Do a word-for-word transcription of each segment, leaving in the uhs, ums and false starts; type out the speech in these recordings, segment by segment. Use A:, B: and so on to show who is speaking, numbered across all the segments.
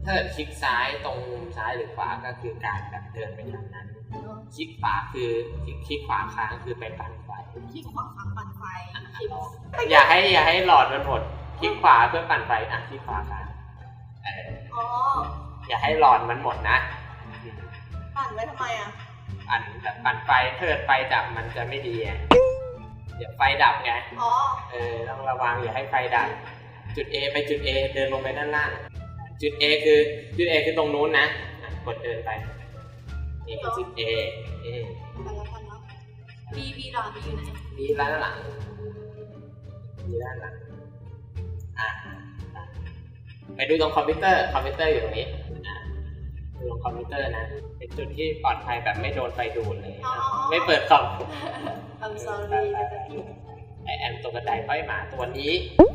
A: ถ้าเกิดคลิกซ้ายตรงมุมซ้ายหรือขวาก็คือการแบบเดินไปทางนั้นคลิกขวาคือคลิกคลิกขวาค้างคือไปปั่นไฟ
B: คลิกขวาค้างปั่นไฟ
A: อย่าให้อย่าให้หลอดมันหมดคลิกขวาเพื่อปั่นไฟอ่ะคลิกขวาค้าง
B: อ๋อ
A: อย่าให้หลอดมันหมดนะ
B: ปั่นไว้ทำไมอ่ะ
A: ปั่นแบบปั่นไฟถ้าเกิดไฟดับมันจะไม่ดีอ่ะเดี๋ยวไฟดับไง
B: อ๋อ
A: เออต้องระวังอย่าให้ไฟดับจุด A ไปจุด A เดินลงไปด้านล่างจุด A คือจุด A คือตรงนู้นนะกดเดินไปนี่คือจุด A เอ
B: ไปแล้วกันเนาะ B B หลอดอยู่ไหน
A: B ด้านหลัง B ด้านหลังอ่ะไปดูตรงคอมพิวเตอร์คอมพิวเตอร์อยู่ตรงนี้ดูตรงคอมพิวเตอร์นะเป็นจุดที่ปลอดภัยแบบไม่โดนไฟดูดเลยไม่เปิดคอม
B: I'm sorry
A: ไอแอมตัวกระไดค่อยมาตัวนี้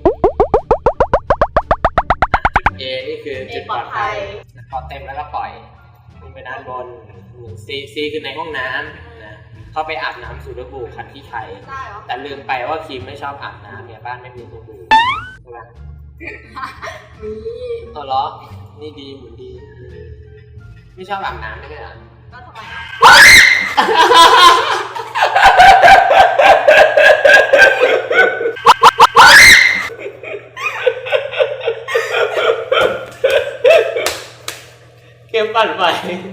A: จุด A นี่คือจุดปลอดภัยพอเต็มแล้วก็ปล่อยลงไปด้านบน C C คือในห้องน้ำนะเข้าไปอาบน้ำสูดบู่ขัดขี้ไข่แต่ลืมไปว่าครีมไม่ชอบอาบน้ำเนี่ยบ้านไม่มีสูดบู่ใช่ไหม
B: มี
A: ตัวล้อนี่ดีเหมือนดีไม่ชอบอาบน้ำไม่ใช่เหรอ
B: ก็ทำไม
A: เกมปั่นไฟ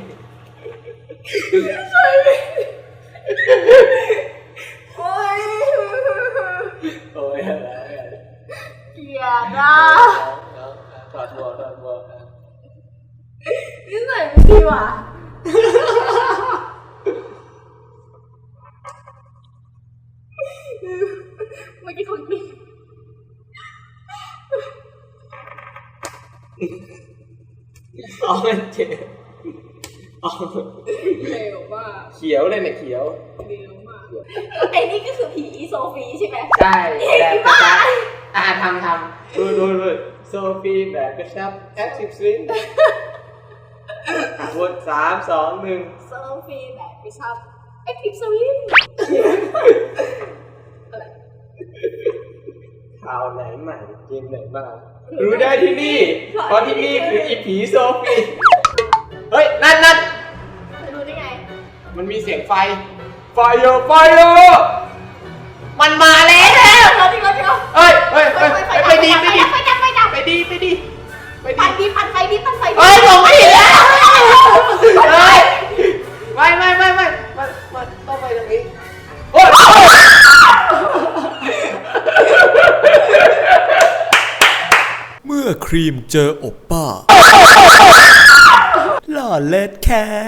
B: โอ้ย
A: โอ้ยอะไร
B: เกลียดอ่ะ
A: ถอดหัวถอดหัว
B: นี่ใส่ไม่ดีว่ะเมื่อกี้คนกิน
A: อ๋อมันเจ็บอ๋อ
B: เร็วมาก
A: เขียวเลยเนี่ยเขียว
B: เร็วมากไอ้นี่ก็คือผีโซฟีใช่ไหม
A: ใช่แบบกระชับอ่าทำทำดูดูดูโซฟีแบบกระชับแอคทีฟสวิงบทสามสองหนึ่ง
B: โซฟีแบบกระชับแอคทีฟสวิง
A: ข่าวไหนใหม่เกมไหนบ้างรู้ได้ที่นี่เพราะที่นี่คืออีผีโซฟีเฮ้ยนั่นนั่น
B: รู้ได้ไง
A: มันมีเสียงไฟไฟเยอะไฟเยอะมันมาแล้ว
B: เราดิเราดิเรา
A: เฮ้ยเฮ้ยเฮ้ยไปดีไปดี
B: ไปดับไปดับ
A: ไปดีไปดีไปดี
B: ปั่นดีปั่นไฟดีปั่นไฟ
A: เฮ้ยผมไม่เห็นแล้วเฮ้ยไม่ไม่ไม่ไม่มันมันต้องไปตรงนี้โอ้ย
C: เมื่อครีมเจอโอป้าหล่อเลิศแค่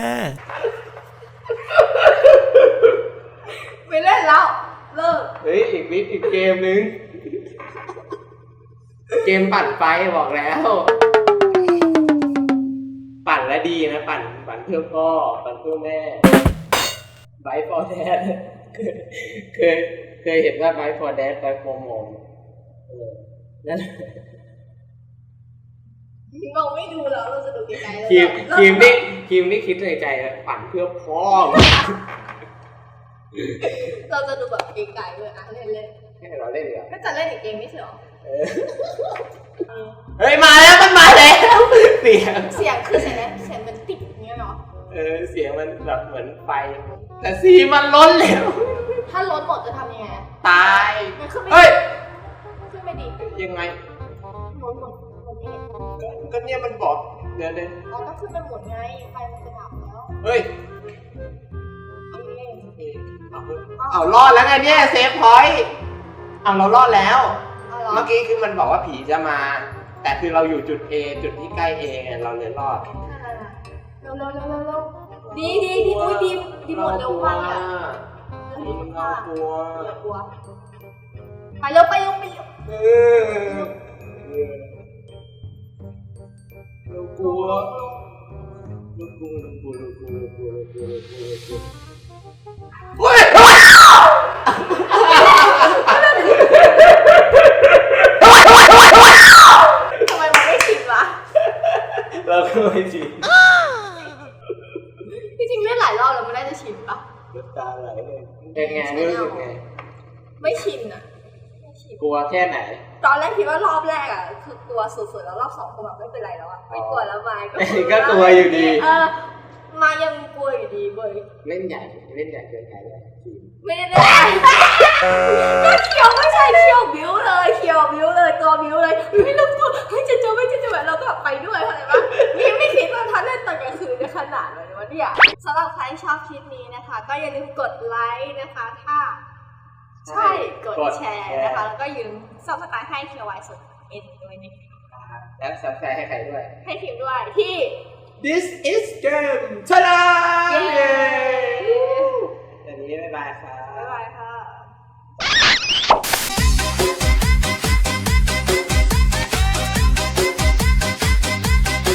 B: ไม่เล่นแล้วเลิก
A: เฮ้ยอีกนิดอีกเกมนึงเกมปั่นไฟบอกแล้วปั่นแล้วดีนะปั่นปั่นเพื่อพ่อปั่นเพื่อแม่ไบฟอร์แดดเคยเคยเห็นว่าไบฟอร์แดดไบฟอร์มอมนั่น
B: เราไม่ดูแล้วเราจะดูไกลๆแล้ว
A: ครีมครีมนี่ครีมนี่คิดในใจปั่นเพื่อพ่อ
B: เราจะดูแบบไกลๆเลยอ่ะเล่นเล่น
A: ให้เราเล่นเหรอ
B: ก็จะเล่นอีกเกมไม่ใช่หรอ
A: เฮ้ยมาแล้วมันมาแล้วเสียง
B: เสียงคือเสียงอะไรเสียงมันติดอย่างเงี้ยเนาะ
A: เออเสียงมันแบบเหมือนไฟแต่สีมันล้นแล้ว
B: ถ้าล้นหมดจะทำยังไง
A: ตาย
B: มันขึ้นไม่
A: เฮ้ย
B: ขึ้นไม่ดี
A: ยังไง
B: ล้นหมดหมดนี่
A: ก็เนี่ยมันบอกเดี๋ยวเดี๋ยว
B: เราต้องขึ้นไปหมดไงไฟมันจะดับแล้ว
A: เฮ้ยเอารอดแล้วไงเนี่ยเซฟพอยต์เอาเรารอดแล้วเมื่อกี้คือมันบอกว่าผีจะมาแต่คือเราอยู่จุด A จุดที่ใกล้ A ไงเราเลยรอด
B: เร็วเร็วเร็วเร็วดีดีดีอุ้ยดีดีหมดเร็วมากอ่ะ
A: ดีมากกลัว
B: กลัวไปเร็วไปเร็วไปเร็ว
A: เรากลัวเรากลัวเรากลัวเรากลัวเรากลัวเรากลัวเรากลัวเรากลัวโอ้ย
B: ทำไมมันไม่ชินวะ
A: เราก็ไม่ชิน
B: จริงๆเล่นหลายรอบแล้วมันน่าจะชินปะ
A: น้ำตาไหลเลยเป็นไงรู้สึกไง
B: ไม่ชินอ่ะ
A: กลัวแค่ไหน
B: ตอนแรกคิดว่ารอบแรกอ่ะคือกลัวสุดๆแล้วรอบสองก็แบบไม่เป็นไรแล้วอ่ะไม่กลัวแล้วมายก็
A: ก็กลัวอยู่ดี
B: เออมายังกลัวอยู่ดีเว้ย
A: เล่นใหญ่เล่นใหญ่เกินไปเลย
B: ไม่ได้ก็เคียวไม่ใช่เคียวบิ้วเลยเคียวบิ้วเลยตัวบิ้วเลยไม่รู้ตัวเฮ้ยจะเจอไม่จะเจอแบบเราก็ไปด้วยเข้าใจปะนี่ไม่คิดว่าทันเล่นตอนกลางคืนจะขนาดไหนวะเนี่ยสำหรับใครชอบคลิปนี้นะคะก็อย่าลืมกดไลค์นะคะถ้าใช่กดแชร์นะคะแล้วก็อย่าลืมซับสไครต์ให้เคียวไวสุดเอ็นด้วยนะคะ
A: แล้วซับสไครต์ให้ใครด้วย
B: ให้พิมพ์ด้วยที่
A: This is game ชนะ
B: เย้
A: ตอนนี้บ๊ายบายครับ
B: บ๊ายบายค่ะ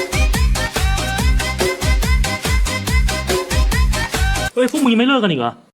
D: เฮ้ยพวกมึงยังไม่เลิกกันอีกเหรอ